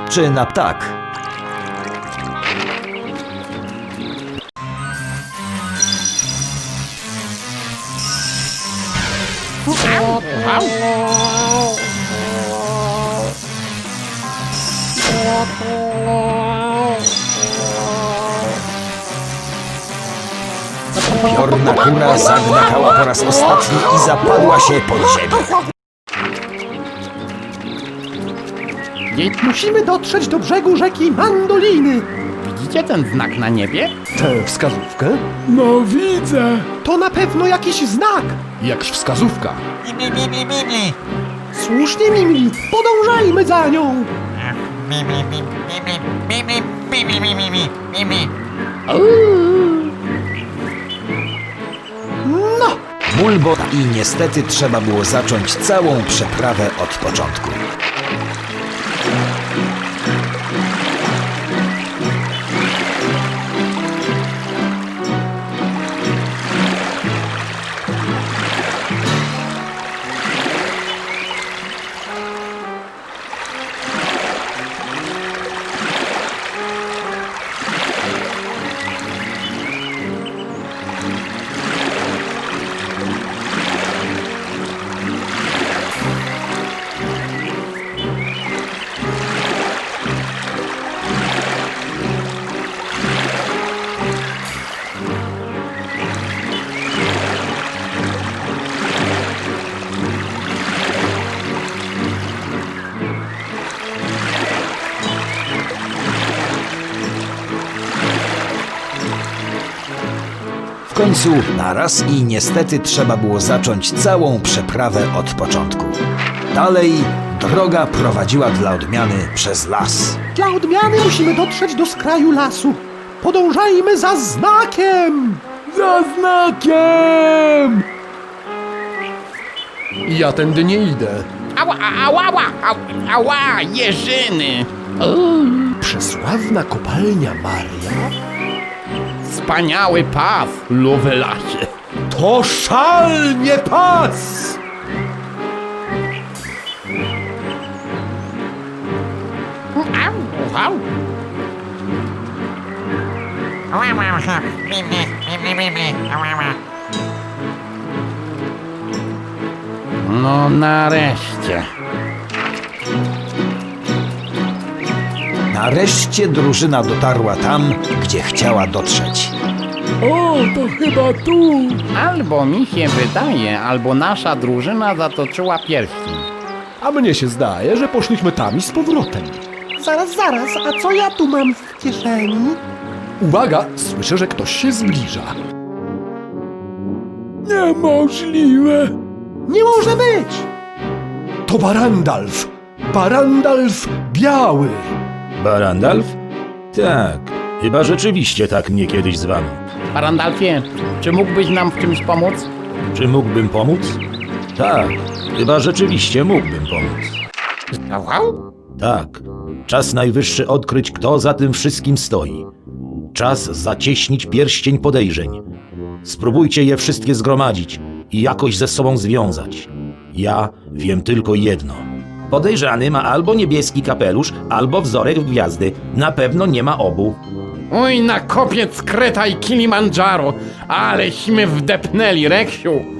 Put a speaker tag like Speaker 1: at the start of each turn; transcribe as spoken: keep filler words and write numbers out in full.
Speaker 1: czy na ptak? Piorna kura zagmatała po raz ostatni i zapadła się pod ziemię.
Speaker 2: Musimy dotrzeć do brzegu rzeki Mandoliny.
Speaker 3: Widzicie ten znak na niebie?
Speaker 2: Tę wskazówkę?
Speaker 4: No widzę.
Speaker 2: To na pewno jakiś znak.
Speaker 4: Jakż wskazówka.
Speaker 5: Mi, mi, mi, mi, mi.
Speaker 2: Słusznie, Mimli, podążajmy za nią.
Speaker 5: Mi, mi, mi, mi, mi, mi, mi, mi, mi, mi, mi, mi, mi.
Speaker 2: No,
Speaker 1: Mulbo i niestety trzeba było zacząć całą przeprawę od początku. W końcu naraz i niestety trzeba było zacząć całą przeprawę od początku. Dalej droga prowadziła dla odmiany przez las.
Speaker 2: dla odmiany musimy dotrzeć do skraju lasu. Podążajmy za znakiem.
Speaker 4: Za znakiem! Ja tędy nie idę.
Speaker 3: Ała, ała, ała, ała, ała, jeżyny!
Speaker 2: Przesławna kopalnia Maria?
Speaker 3: Wspaniały pas, Lovelasie.
Speaker 2: To szalnie pas!
Speaker 3: Au, au.
Speaker 5: Ała, ała, mi, mi, mi, mi, mi, mi. Ała, ała.
Speaker 3: No nareszcie.
Speaker 1: Nareszcie drużyna dotarła tam, gdzie chciała dotrzeć.
Speaker 4: O, to chyba tu.
Speaker 3: Albo mi się wydaje, albo nasza drużyna zatoczyła pierścień.
Speaker 2: A mnie się zdaje, że poszliśmy tam i z powrotem. Zaraz, zaraz, a co ja tu mam w kieszeni?
Speaker 4: Uwaga, słyszę, że ktoś się zbliża. Niemożliwe.
Speaker 2: Nie może być! To Barandalf! Barandalf biały!
Speaker 6: Barandalf? Tak, chyba rzeczywiście tak mnie kiedyś zwano.
Speaker 3: Barandalfie, czy mógłbyś nam w czymś pomóc?
Speaker 6: Czy mógłbym pomóc? Tak, chyba rzeczywiście mógłbym pomóc.
Speaker 3: Au, au.
Speaker 6: Tak, czas najwyższy odkryć, kto za tym wszystkim stoi. Czas zacieśnić pierścień podejrzeń. Spróbujcie je wszystkie zgromadzić i jakoś ze sobą związać. Ja wiem tylko jedno. Podejrzany ma albo niebieski kapelusz, albo wzorek w gwiazdy. Na pewno nie ma obu.
Speaker 3: Oj, na kopiec Kreta i Kilimandżaro, aleśmy wdepnęli, Reksiu.